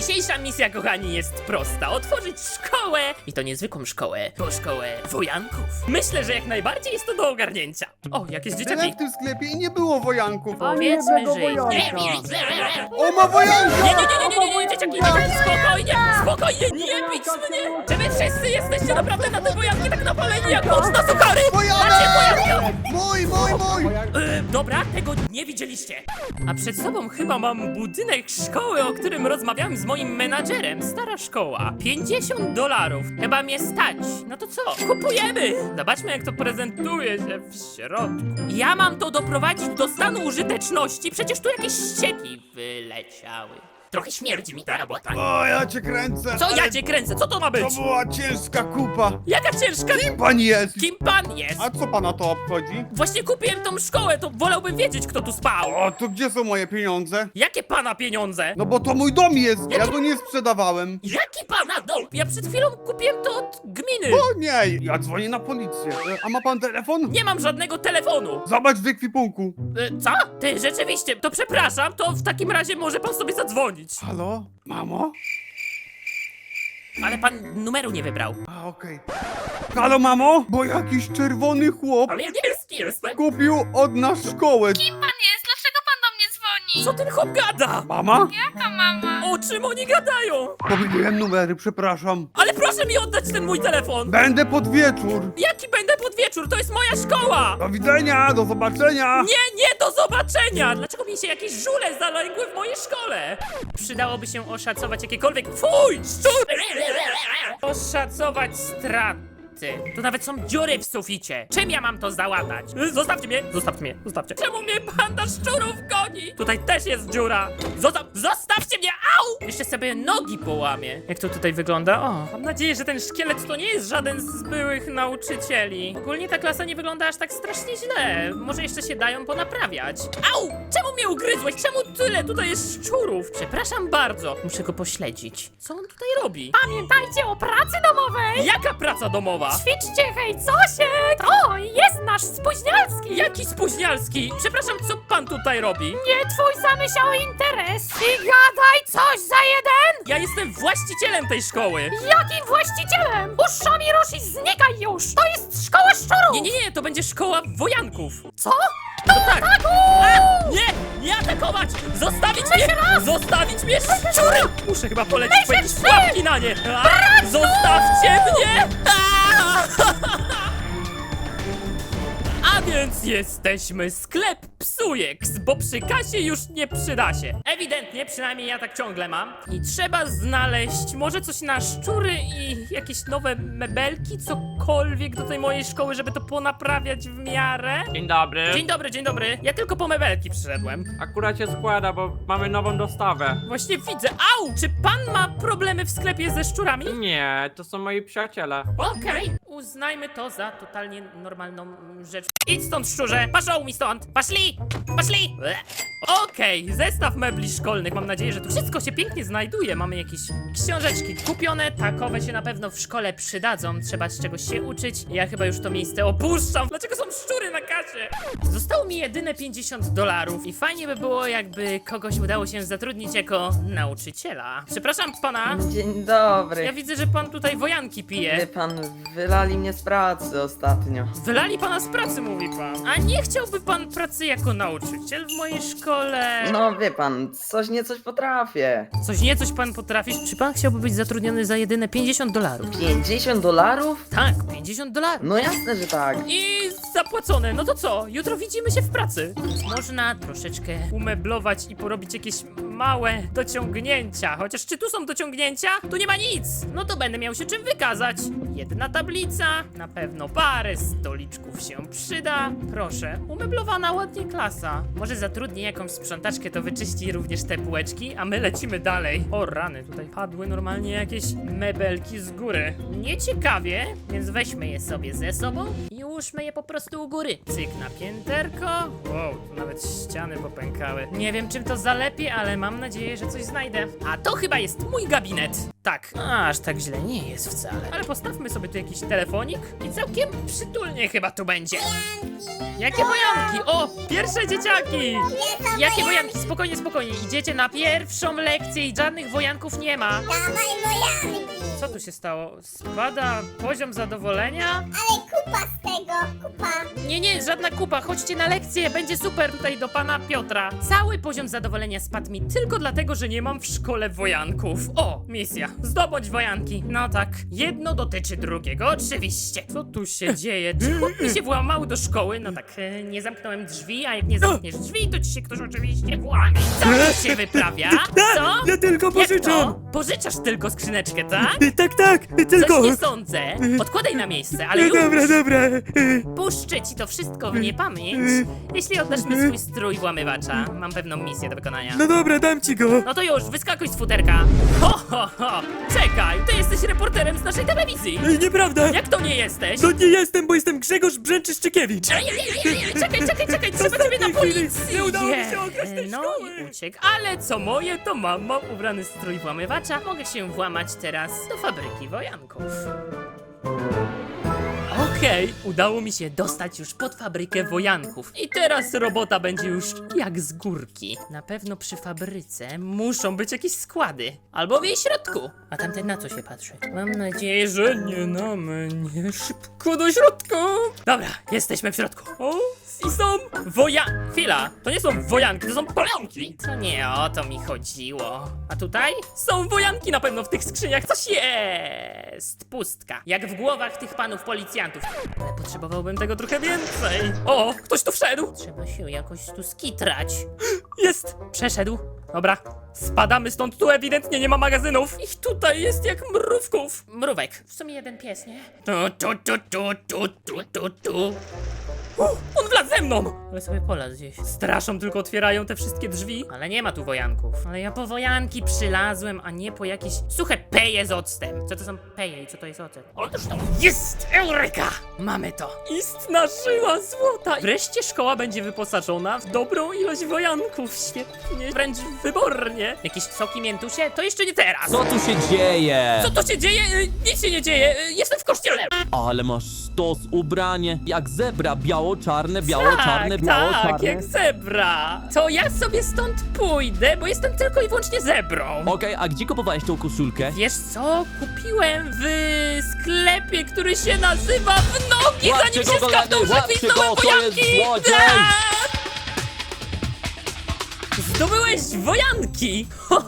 Dzisiejsza misja, kochani, jest prosta. Otworzyć szkołę i to niezwykłą szkołę, bo szkołę wojanków. Myślę, że jak najbardziej jest to do ogarnięcia. O, jakieś Byłem dzieciaki. w tym sklepie i nie było wojanków. Powiedzmy, że wojanka. nie. O, ma wojanka! Nie, dzieciaki, spokojnie, spokojnie, nie bić mnie! Czy wy wszyscy jesteście naprawdę na te wojanki tak napaleni jak mocno sukary? Macie wojanka! Mój! Dobra, tego nie widzieliście. A przed sobą chyba mam budynek szkoły, o którym rozmawiałem z moim menadżerem. Stara szkoła. $50. Chyba mnie stać. No to co? Kupujemy! Zobaczmy, jak to prezentuje się w środku. Ja mam to doprowadzić do stanu użyteczności. Przecież tu jakieś ścieki wyleciały. Trochę śmierdzi mi ta robota. O, ja cię kręcę. Co ja ale cię kręcę? Co to ma być? To była ciężka kupa. Jaka ciężka? Kim pan jest? Kim pan jest? A co pana to obchodzi? Właśnie kupiłem tą szkołę, to wolałbym wiedzieć, kto tu spał. O, to gdzie są moje pieniądze? Jakie pana pieniądze? No bo to mój dom jest, ja go nie sprzedawałem. Jaki pana dom? Ja przed chwilą kupiłem to od gminy. O nie, ja dzwonię na policję. A ma pan telefon? Nie mam żadnego telefonu. Zobacz w ekwipunku. Co? Ty, rzeczywiście, to przepraszam, to w takim razie może pan sobie zadzwonić. Halo? Mamo? Ale pan numeru nie wybrał. A, okej. Halo, mamo? Bo jakiś czerwony chłop Ale ja niebieski jestem. kupił od nas szkołę. Kim pan jest? Dlaczego pan do mnie dzwoni? Co ten chłop gada? Mama? Jaka mama? O czym oni gadają? Pomyliłem numery, przepraszam. Ale proszę mi oddać ten mój telefon. Będę pod wieczór. Jaki będę pod wieczór? To jest moja szkoła. Do widzenia, do zobaczenia. Nie, do zobaczenia! Dlaczego mi się jakieś żule zalęgły w mojej szkole? Przydałoby się oszacować jakiekolwiek... Fuj! Szczur! Oszacować straty. To nawet są dziury w suficie. Czym ja mam to załatać? Zostawcie mnie! Zostawcie. Czemu mnie banda szczurów goni? Tutaj też jest dziura. Zostawcie mnie! Au! Jeszcze sobie nogi połamię. Jak to tutaj wygląda? O, mam nadzieję, że ten szkielet to nie jest żaden z byłych nauczycieli. Ogólnie ta klasa nie wygląda aż tak strasznie źle. Może jeszcze się dają ponaprawiać. Au! Czemu mnie ugryzłeś? Czemu tyle tutaj jest szczurów? Przepraszam bardzo. Muszę go pośledzić. Co on tutaj robi? Pamiętajcie o pracy domowej! Jaka praca domowa? Ćwiczcie, hej, Cosiek! To jest nasz spóźnialski! Jaki spóźnialski? Przepraszam, co pan tutaj robi? Nie twój zamyślały interes! I gadaj coś za jeden! Ja jestem właścicielem tej szkoły. Jakim właścicielem? Uszami rusz i znikaj już! To jest szkoła szczurów! Nie, to będzie szkoła wojanków. Co? No tak. Nie atakować! Zostawić mnie szczury! Muszę chyba polecić po jakieś pułapki na nie. Zostawcie mnie! A więc jesteśmy sklep Psujeks, bo przy kasie już nie przyda się. Ewidentnie, przynajmniej ja tak ciągle mam. I trzeba znaleźć może coś na szczury i jakieś nowe mebelki, cokolwiek do tej mojej szkoły, żeby to ponaprawiać w miarę. Dzień dobry. Dzień dobry. Ja tylko po mebelki przyszedłem. Akurat się składa, bo mamy nową dostawę. Właśnie widzę. Au! Czy pan ma problemy w sklepie ze szczurami? Nie, to są moi przyjaciele. Okej, uznajmy to za totalnie normalną rzecz. Idź stąd, szczurze! Paszą mi stąd! Paszli! Okej, zestaw mebli szkolnych. Mam nadzieję, że tu wszystko się pięknie znajduje. Mamy jakieś książeczki kupione. Takowe się na pewno w szkole przydadzą. Trzeba z czegoś się uczyć. Ja chyba już to miejsce opuszczam. Dlaczego są szczury na kasie? Zostało mi jedyne $50 i fajnie by było, jakby kogoś udało się zatrudnić jako nauczyciela. Przepraszam pana. Dzień dobry. Ja widzę, że pan tutaj wojanki Wie pije. pan, wylali mnie z pracy ostatnio. Wylali pana z pracy, mówi pan. A nie chciałby pan pracy jako nauczyciel w mojej szkole? No wie pan, coś potrafię. Coś pan potrafisz? Czy pan chciałby być zatrudniony za jedyne $50? $50? Tak, $50. No jasne, że tak. I zapłacone, no to co? Jutro widzimy się w pracy. Można troszeczkę umeblować i porobić jakieś małe dociągnięcia. Chociaż czy tu są dociągnięcia? Tu nie ma nic. No to będę miał się czym wykazać. Jedna tablica, na pewno parę stoliczków się przyda. Proszę, umeblowana ładnie klasa. Może zatrudnię jakąś sprzątaczkę, to wyczyści również te półeczki, a my lecimy dalej. O rany, tutaj padły normalnie jakieś mebelki z góry. Nieciekawie, więc weźmy je sobie ze sobą i ułóżmy je po prostu u góry. Cyk na pięterko. Wow, tu nawet ściany popękały. Nie wiem, czym to zalepię, ale mam nadzieję, że coś znajdę. A to chyba jest mój gabinet. Tak, aż tak źle nie jest wcale. Ale postawmy sobie tu jakiś telefonik i całkiem przytulnie chyba tu będzie. Jakie wojanki? O, pierwsze dzieciaki! Jakie wojanki? Spokojnie, spokojnie. Idziecie na pierwszą lekcję i żadnych wojanków nie ma. Dawaj wojanki! Co tu się stało? Spada poziom zadowolenia? Ale kupa z tego, kupa! Nie, żadna kupa. Chodźcie na lekcję, będzie super tutaj do pana Piotra. Cały poziom zadowolenia spadł mi tylko dlatego, że nie mam w szkole wojanków. O, misja. Zdobądź wojanki. No tak. Jedno dotyczy drugiego, oczywiście. Co tu się dzieje? Czy chłop mi się włamał do szkoły? No tak, nie zamknąłem drzwi, a jak nie zamkniesz drzwi, to ci się ktoś oczywiście włamie. Co tu się wyprawia? Co? Ja tylko Jak pożyczam! to? Pożyczasz tylko skrzyneczkę, tak? Tak, tylko... Coś nie sądzę. Odkładaj na miejsce, ale już. Dobra. Puszczę ci to wszystko w niepamięć, jeśli oddasz mi swój strój włamywacza. Mam pewną misję do wykonania. No dobra, dam ci go. No to już, wyskakuj z futerka. Ho! Czekaj, ty jesteś reporterem z naszej telewizji. Nieprawda! Jak to nie jesteś? No nie jestem, bo jestem Grzegorz Brzęczyszczykiewicz. Czekaj, trzeba ciebie na Ostatniej chwili policję. nie udało mi się okraść tej No szkoły. i uciekł, ale co moje, to mam ubrany strój włamywacza. Mogę się włamać teraz do fabryki wojanków. Okej, udało mi się dostać już pod fabrykę wojanków. I teraz robota będzie już jak z górki. Na pewno przy fabryce muszą być jakieś składy. Albo w jej środku. A tamten na co się patrzy? Mam nadzieję, że nie na mnie. Szybko do środka. Dobra, jesteśmy w środku. O, i są Chwila, to nie są wojanki, to są polanki. To nie o to mi chodziło. A tutaj? Są wojanki na pewno w tych skrzyniach. Coś jest. Pustka. Jak w głowach tych panów policjantów. Ale potrzebowałbym tego trochę więcej. O, ktoś tu wszedł. Trzeba się jakoś tu skitrać. Jest. Przeszedł. Dobra. Spadamy stąd, tu ewidentnie nie ma magazynów. Ich tutaj jest jak mrówków. Mrówek. W sumie jeden pies, nie? Tu. On wlazł ze mną! Ale sobie polazł gdzieś. Straszą, tylko otwierają te wszystkie drzwi. Ale nie ma tu wojanków. Ale ja po wojanki przylazłem, a nie po jakieś suche peje z octem. Co to są peje i co to jest ocet? Otóż to jest! Eureka! Mamy to! Istna żyła złota! Wreszcie szkoła będzie wyposażona w dobrą ilość wojanków. Świetnie, wręcz wybornie. Jakieś soki miętusie? To jeszcze nie teraz! Co tu się dzieje? Co to się dzieje? Nic się nie dzieje. Jestem w kościele. Ale masz sztos ubranie, jak zebra, biało-czarne, Tak, biało-czarne. jak zebra. To ja sobie stąd pójdę, bo jestem tylko i wyłącznie zebrą. Okej, a gdzie kupowałeś tą koszulkę? Wiesz co? Kupiłem w sklepie, który się nazywa W Nogi, Łapcie zanim się go, skapną, kochany, że łapcie gwizdnąłem go, to jest wojanki. złodziej! Tak! Zdobyłeś wojanki!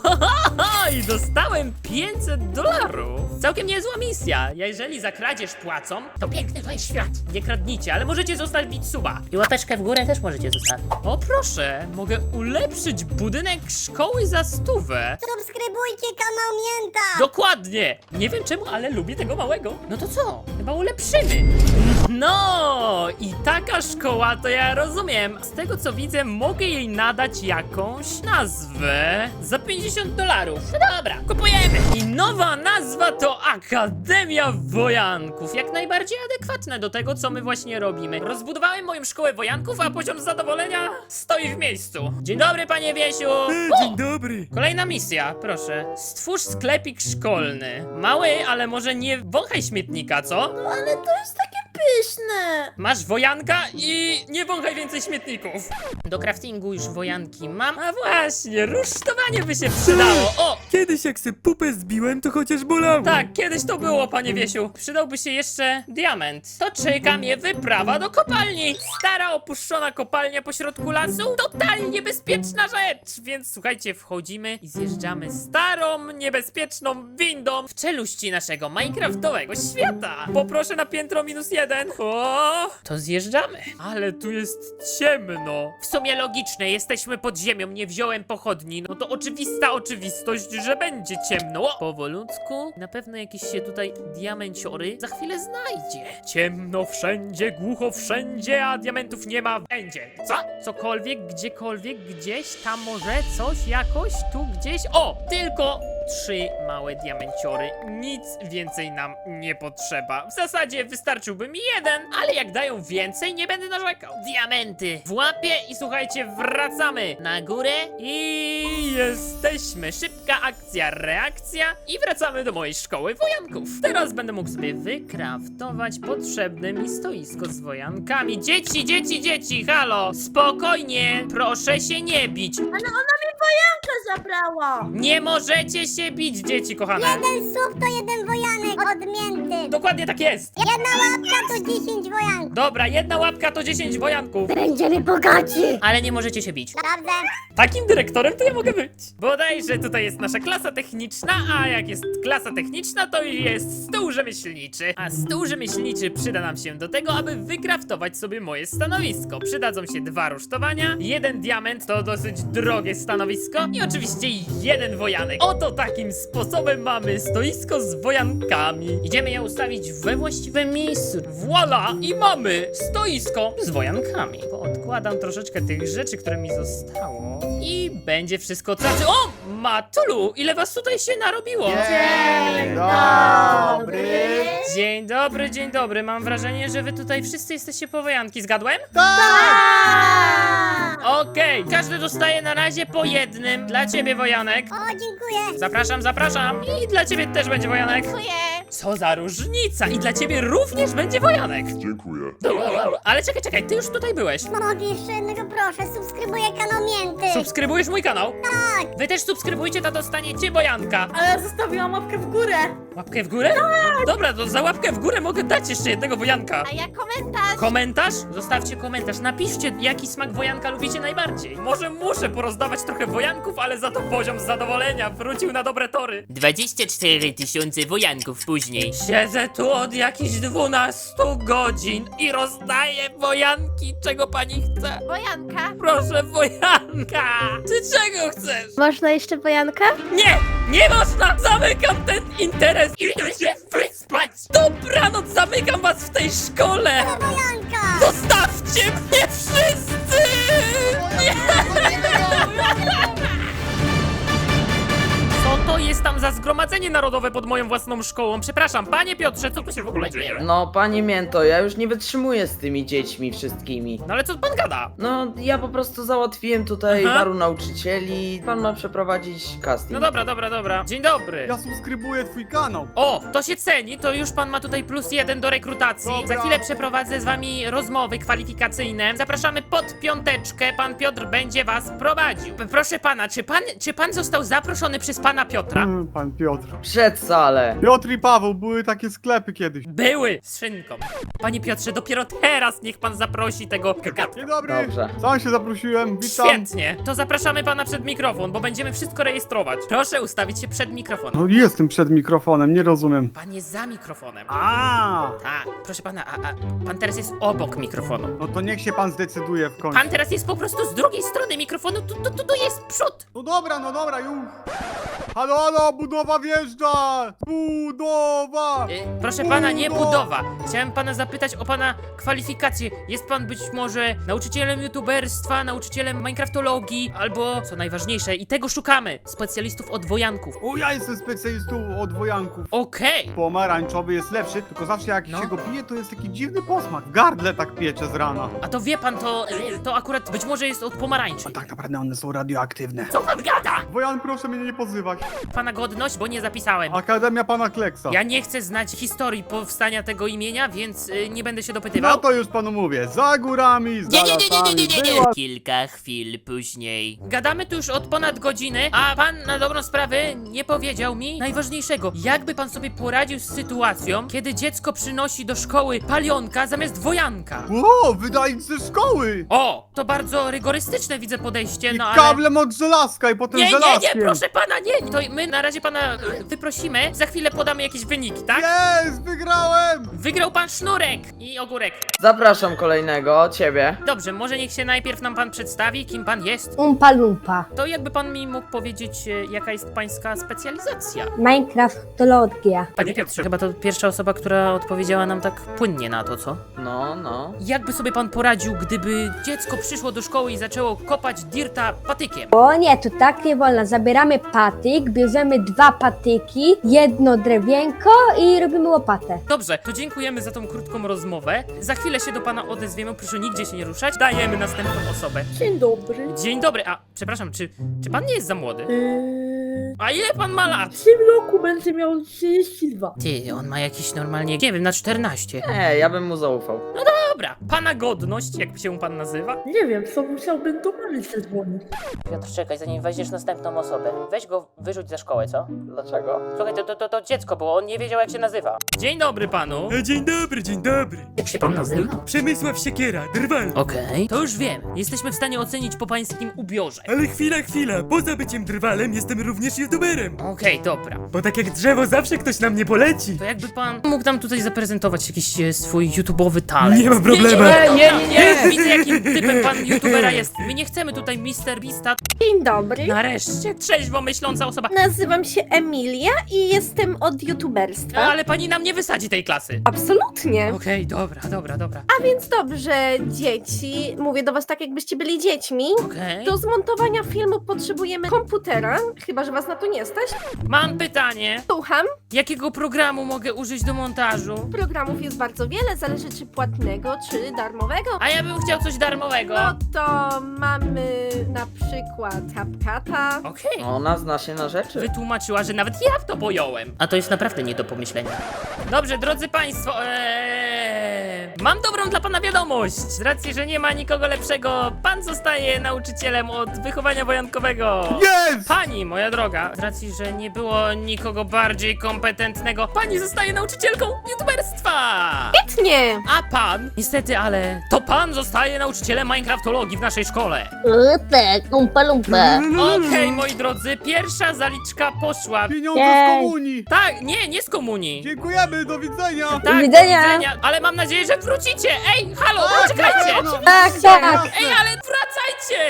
I dostałem $500. Całkiem niezła misja. Jeżeli za kradzież płacą, to piękny to jest świat. Nie kradnijcie, ale możecie zostawić suba. I łapeczkę w górę też możecie zostawić. O proszę, mogę ulepszyć budynek szkoły za 100. Subskrybujcie kanał Mięta! Dokładnie! Nie wiem czemu, ale lubię tego małego. No to co? Chyba ulepszymy. No i taka szkoła to ja rozumiem. Z tego co widzę, mogę jej nadać jakąś nazwę za $50. No dobra, kupujemy. I nowa nazwa to Akademia Wojanków. Jak najbardziej adekwatne do tego, co my właśnie robimy. Rozbudowałem moją szkołę wojanków, a poziom zadowolenia stoi w miejscu. Dzień dobry, panie Wiesiu. Dzień dobry. Kolejna misja, proszę. Stwórz sklepik szkolny. Mały, ale może nie wąchaj śmietnika, co? Ale to jest takie pyszne! Masz wojanka i nie wąchaj więcej śmietników. Do craftingu już wojanki mam. A właśnie, rusztowanie by się przydało. O! Kiedyś jak se pupę zbiłem, to chociaż bolało. Tak, kiedyś to było, panie Wiesiu. Przydałby się jeszcze diament. To czeka mnie wyprawa do kopalni. Stara, opuszczona kopalnia pośrodku lasu. Totalnie bezpieczna rzecz. Więc słuchajcie, wchodzimy i zjeżdżamy starą, niebezpieczną windą w czeluści naszego minecraftowego świata. Poproszę na piętro -1. O, to zjeżdżamy. Ale tu jest ciemno. W sumie logiczne, jesteśmy pod ziemią, nie wziąłem pochodni. No to oczywista oczywistość, że będzie ciemno. O, powolutku. Na pewno jakieś się tutaj diamenciory za chwilę znajdzie. Ciemno wszędzie, głucho wszędzie, a diamentów nie ma. Będzie. Co? Cokolwiek, gdziekolwiek, gdzieś, tam może coś, jakoś, tu gdzieś. O, tylko 3 małe diamenciory. Nic więcej nam nie potrzeba. W zasadzie wystarczyłby mi 1, ale jak dają więcej, nie będę narzekał. Diamenty w łapie i słuchajcie, wracamy na górę i jesteśmy. Szybko Szybka akcja, reakcja i wracamy do mojej szkoły wojanków. Teraz będę mógł sobie wykraftować potrzebne mi stoisko z wojankami. Dzieci, halo, spokojnie, proszę się nie bić. Ale ona mi wojankę zabrała. Nie możecie się bić, dzieci kochane. Jeden słup to jeden wojanek odmięty. Dokładnie tak jest. Jedna łapka to 10 wojanków. Dobra, jedna łapka to 10 wojanków. Będziemy bogaci. Ale nie możecie się bić. Dobrze. Takim dyrektorem to ja mogę być. Bodajże tutaj jest nasza klasa techniczna, a jak jest klasa techniczna, to jest stół rzemieślniczy. A stół rzemieślniczy przyda nam się do tego, aby wykraftować sobie moje stanowisko. Przydadzą się 2 rusztowania, 1 diament, to dosyć drogie stanowisko i oczywiście 1 wojanek. Oto takim sposobem mamy stoisko z wojankami. Idziemy je ustawić we właściwym miejscu. Voila! I mamy stoisko z wojankami. Odkładam troszeczkę tych rzeczy, które mi zostało i będzie wszystko tracy. O! Matulu! Ile was tutaj się narobiło? Dzień dobry. Mam wrażenie, że wy tutaj wszyscy jesteście po wojanki. Zgadłem? Okej, każdy dostaje na razie po jednym. Dla ciebie wojanek. O, dziękuję. Zapraszam. I dla ciebie też będzie wojanek. Dziękuję. Co za różnica! I dla ciebie również będzie wojanek. Dziękuję. Ale czekaj, ty już tutaj byłeś. Mogę jeszcze jednego proszę, subskrybuję kanał Mięty. Subskrybujesz mój kanał? Tak. Wy też subskrybujcie, to dostaniecie wojanka. Ale zostawiłam łapkę w górę. Łapkę w górę? Dobra, to za łapkę w górę mogę dać jeszcze jednego wojanka. A ja komentarz. Komentarz? Zostawcie komentarz. Napiszcie, jaki smak wojanka lubicie najbardziej. Może muszę porozdawać trochę wojanków, ale za to poziom zadowolenia wrócił na dobre tory. 24 000 wojanków później. Siedzę tu od jakichś 12 godzin i rozdaję wojanki. Czego pani chce? Wojanka. Proszę, wojanka! Ty czego chcesz? Można jeszcze wojankę? Nie można! Zamykam ten interes! Idę się wyspać! Dobranoc, zamykam was w tej szkole! Wojanka! Zostawcie mnie wszyscy! Co to jest tam za zgromadzenie narodowe pod moją własną szkołą? Przepraszam, panie Piotrze, co tu się w ogóle dzieje? No, panie Mięto, ja już nie wytrzymuję z tymi dziećmi wszystkimi. No ale co pan gada? No, ja po prostu załatwiłem tutaj Aha. paru nauczycieli. Pan ma przeprowadzić casting. No dobra. Dzień dobry. Ja subskrybuję twój kanał. O, to się ceni, to już pan ma tutaj +1 do rekrutacji. Dobra. Za chwilę przeprowadzę z wami rozmowy kwalifikacyjne. Zapraszamy pod 5. Pan Piotr będzie was prowadził. Proszę pana, czy pan został zaproszony przez pana Piotra? Pan Piotr. Przed salę. Piotr i Paweł, były takie sklepy kiedyś. Były z szynką. Panie Piotrze, dopiero teraz niech pan zaprosi tego gagatka. Dzień dobry. Dobrze. Sam się zaprosiłem, witam. Świetnie, to zapraszamy pana przed mikrofon, bo będziemy wszystko rejestrować. Proszę ustawić się przed mikrofonem. No jestem przed mikrofonem, nie rozumiem. Pan jest za mikrofonem. A, Tak, proszę pana, a pan teraz jest obok mikrofonu. no to niech się pan zdecyduje w końcu. Pan teraz jest po prostu z drugiej strony mikrofonu, tu jest przód. No dobra, już. Halo, budowa wjeżdża! Budowa! Proszę pana, nie budowa. Chciałem pana zapytać o pana kwalifikacje. Jest pan być może nauczycielem youtuberstwa, nauczycielem minecraftologii, albo, co najważniejsze, i tego szukamy, specjalistów od wojanków. O, ja jestem specjalistą od wojanków. Okej. Pomarańczowy jest lepszy, tylko zawsze jak No. się go pije, to jest taki dziwny posmak. W gardle tak piecze z rana. A to wie pan, to akurat być może jest od pomarańczy. A tak naprawdę one są radioaktywne. Co pan gada? Wojan, proszę mnie nie pozywać. Pana godność, bo nie zapisałem. Akademia pana Kleksa. Ja nie chcę znać historii powstania tego imienia, więc nie będę się No dopytywał. to już panu mówię, za górami, za lasami, była... Kilka chwil później. Gadamy tu już od ponad godziny, a pan na dobrą sprawę nie powiedział mi najważniejszego. Jakby pan sobie poradził z sytuacją, kiedy dziecko przynosi do szkoły palionka zamiast wojanka? O, wydali ze szkoły! O, to bardzo rygorystyczne widzę podejście, I no ale... kablem od żelazka i potem Nie, żelazkiem. proszę pana, nie! To my na razie pana wyprosimy, za chwilę podamy jakieś wyniki, tak? Jest, wygrałem! Wygrał pan sznurek i ogórek. Zapraszam kolejnego, ciebie. Dobrze, może niech się najpierw nam pan przedstawi, kim pan jest. Umpa Lumpa. To jakby pan mi mógł powiedzieć, jaka jest pańska specjalizacja? Minecraftologia. Panie Piotrze, chyba to pierwsza osoba, która odpowiedziała nam tak płynnie na to, co? No. Jakby sobie pan poradził, gdyby dziecko przyszło do szkoły i zaczęło kopać dirta patykiem? O nie, to tak nie wolno. Zabieramy patyk, bierzemy 2 patyki, 1 drewienko i robimy łopatę. Dobrze, to dziękujemy za tą krótką rozmowę. Za chwilę się do pana odezwiemy, proszę nigdzie się nie ruszać. Dajemy następną osobę. Dzień dobry. Dzień dobry, a przepraszam, czy pan nie jest za młody? A ile pan ma lat? W tym roku będę miał 32. Ty, on ma jakiś normalnie, nie wiem, na 14. Ja bym mu zaufał. Dobra, pana godność, jak się pan nazywa? Nie wiem, co musiałbym do mamy zadzwonić. Piotr, czekaj, zanim weźmiesz następną osobę. Weź go, wyrzuć ze szkoły, co? Dlaczego? Słuchaj, to dziecko było, on nie wiedział jak się nazywa. Dzień dobry panu. Dzień dobry, dzień dobry. Jak się pan nazywa? Przemysław Siekiera, drwal. Okej, to już wiem. Jesteśmy w stanie ocenić po pańskim ubiorze. Ale chwila, poza byciem drwalem jestem również youtuberem. Okej, dobra. Bo tak jak drzewo zawsze ktoś na mnie poleci. To jakby pan mógł nam tutaj zaprezentować jakiś swój YouTube'owy talent. Nie ma problemu. Nie, widzę jakim typem pan YouTubera jest. My nie chcemy tutaj Mr. Beasta. Dzień dobry. Nareszcie, trzeźwo myśląca osoba. Nazywam się Emilia i jestem od youtuberstwa. Ale pani nam nie wysadzi tej klasy. Absolutnie. Okej, dobra. A więc dobrze, dzieci, mówię do was tak, jakbyście byli dziećmi. Okej. Do zmontowania filmu potrzebujemy komputera, chyba że was na to nie stać. Mam pytanie. Słucham, Jakiego programu mogę użyć do montażu? programów jest bardzo wiele, zależy czy płatnego, czy darmowego. A ja bym chciał coś darmowego. No to mamy na przykład CapCut'a. Okej. Ona zna się na rzeczy. Wytłumaczyła, że nawet ja w to pojąłem. A to jest naprawdę nie do pomyślenia. Dobrze, drodzy państwo, mam dobrą dla pana wiadomość. Z racji, że nie ma nikogo lepszego, pan zostaje nauczycielem od wychowania wojankowego. Jest! Pani, moja droga, z racji, że nie było nikogo bardziej kompetentnego, pani zostaje nauczycielką youtuberstwa. Świetnie! A pan, niestety, ale to pan zostaje nauczycielem Minecraftologii w naszej szkole. Tak, umpa lumpa. Okej, moi drodzy, pierwsza zaliczka poszła. Pieniądze Jej. z komunii. Tak, nie z komunii. Dziękujemy, do widzenia. Tak, Do widzenia. ale mam nadzieję, że wrócicie. Ej, halo, poczekajcie. Tak. Ej, ale wracajcie.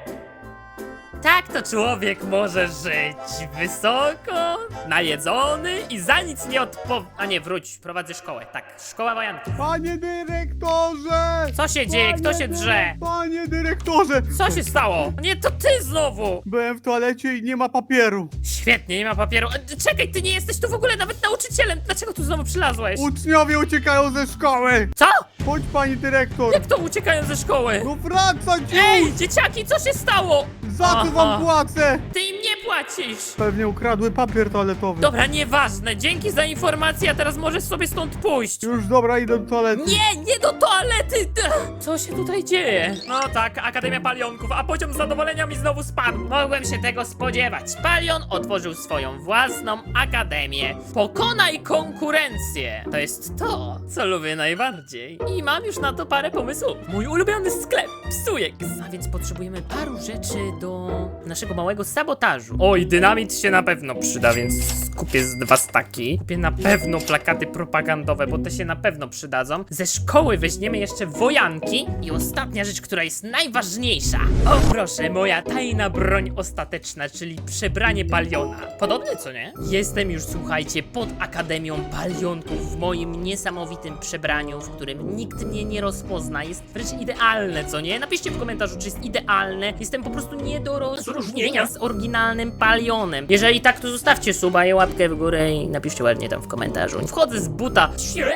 Tak to człowiek może żyć wysoko, najedzony i za nic nie A nie, wróć, prowadzę szkołę. Tak, szkoła wojanki. Panie dyrektorze! Co się dzieje? Kto się drze? Panie dyrektorze! Co się stało? Nie, to ty znowu. Byłem w toalecie i nie ma papieru. Świetnie, nie ma papieru. Czekaj, ty nie jesteś tu w ogóle nawet nauczycielem. Dlaczego tu znowu przylazłeś? Uczniowie uciekają ze szkoły! Co? Chodź, pani dyrektor! Jak to uciekają ze szkoły? No wracać już! Ej, dzieciaki, co się stało? Za co wam płacę? Ty im nie płacisz. Pewnie ukradły papier toaletowy. Dobra, nieważne. Dzięki za informację, a teraz możesz sobie stąd pójść. Już dobra, idę do toalety. Nie do toalety! Co się tutaj dzieje? No tak, Akademia Palionków, a poziom zadowolenia mi znowu spadł. Mogłem się tego spodziewać. Palion otworzył swoją własną akademię. Pokonaj konkurencję. To jest to, co lubię najbardziej. I mam już na to parę pomysłów. Mój ulubiony sklep, Psujek. A więc potrzebujemy paru rzeczy do naszego małego sabotażu. Oj, dynamit się na pewno przyda, więc kupię z 2 staki. Kupię na pewno plakaty propagandowe, bo te się na pewno przydadzą. Ze szkoły weźmiemy jeszcze wojanki. I ostatnia rzecz, która jest najważniejsza. O proszę, moja tajna broń ostateczna, czyli przebranie Paliona. Podobne, co nie? Jestem już, słuchajcie, pod Akademią Palionków w moim niesamowitym przebraniu, w którym nikt mnie nie rozpozna. Jest wręcz idealne, co nie? Napiszcie w komentarzu, czy jest idealne. Jestem po prostu nie do rozróżnienia z oryginalnym Palionem. Jeżeli tak, to zostawcie suba i łapkę w górę i napiszcie ładnie tam w komentarzu. Wchodzę z buta.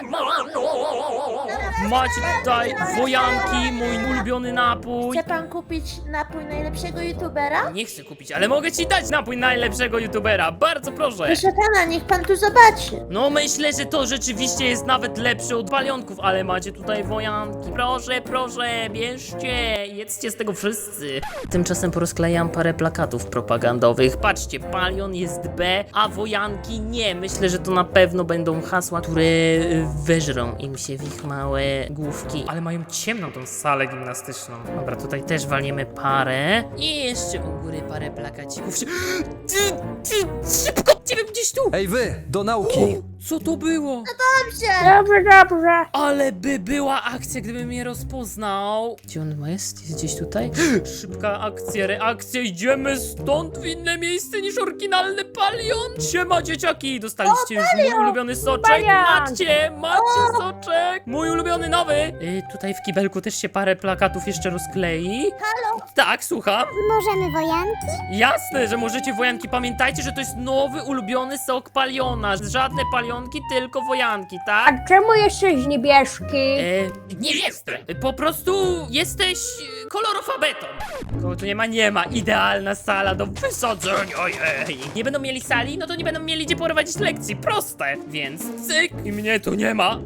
Macie tutaj wojanki, mój ulubiony napój. Chce pan kupić napój najlepszego youtubera? Nie chcę kupić, ale mogę ci dać napój najlepszego youtubera. Bardzo proszę. Proszę pana, niech pan tu zobaczy. No myślę, że to rzeczywiście jest nawet lepsze od palionków, ale macie tutaj wojanki. Proszę, bierzcie, jedzcie z tego wszyscy. Tymczasem porozklejam parę plakatów propagandowych. Patrzcie, palion jest B, a wojanki nie. Myślę, że to na pewno będą hasła, które weżrą im się w ich małe główki. Ale mają ciemną tą salę gimnastyczną. Dobra, tutaj też walniemy parę. I jeszcze u góry parę plakacików. Szybko, ciebie gdzieś tu. Ej wy, do nauki! Co to było? Dobrze. Ale by była akcja, gdyby mnie rozpoznał. Gdzie on jest? Jest gdzieś tutaj? Szybka akcja, reakcja. Idziemy stąd w inne miejsce niż oryginalny Palion. Siema, dzieciaki. Dostaliście już mój ulubiony soczek. Palion! Macie soczek. Mój ulubiony nowy. Tutaj w kibelku też się parę plakatów jeszcze rozklei. Halo? Tak, słucham. Możemy wojanki? Jasne, że możecie wojanki. Pamiętajcie, że to jest nowy, ulubiony sok Paliona. Żadne palionki, tylko wojanki. tak? A czemu jesteś niebieski? Nie jestem. Po prostu jesteś kolorofabetą. Kogo tu nie ma? Nie ma. Idealna sala do wysadzenia. Ojej. Nie będą mieli sali? No to nie będą mieli gdzie prowadzić lekcji. Proste. Więc cyk. I mnie tu nie ma.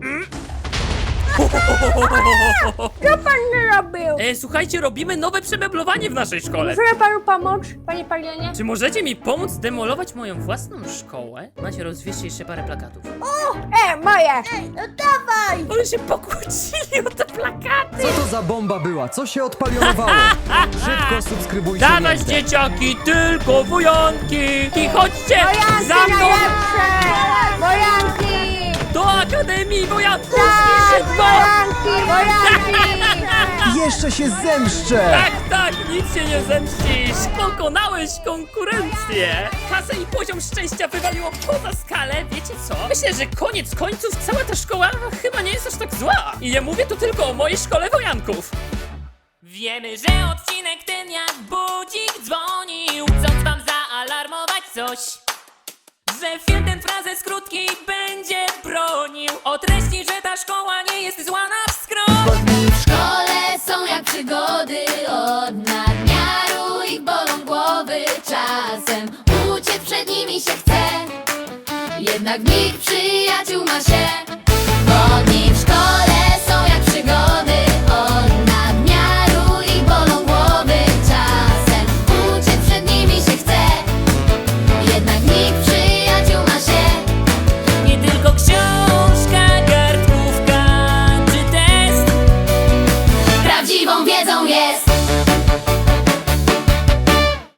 Co pan robił? Słuchajcie, robimy nowe przemeblowanie w naszej szkole. Może panu pomóc, panie Palionie? Czy możecie mi pomóc zdemolować moją własną szkołę? Macie, rozwieźcie jeszcze parę plakatów. Moje! No dawaj! Ale się pokłócili o te plakaty. Co to za bomba była? Co się odpalionowało? Szybko subskrybujcie Dawać lentę. dzieciaki, tylko wojanki! I chodźcie za mną Wojanki! do Akademii Wojanków! Jeszcze się zemszczę! Tak, nic się nie zemścisz! Pokonałeś konkurencję! Kasę i poziom szczęścia wywaliło poza skalę, wiecie co? Myślę, że koniec końców cała ta szkoła chyba nie jest aż tak zła! I nie mówię tu tylko o mojej szkole wojanków! Wiemy, że odcinek ten jak budzik dzwonił, chcąc wam zaalarmować coś, że film ten frazę krótki będzie bronił o treści, że ta szkoła nie jest zła na wskroś. W szkole są jak przygody, od nadmiaru ich bolą głowy. Czasem uciec przed nimi się chce, jednak w nich przyjaciół ma się. Bo dni w szkole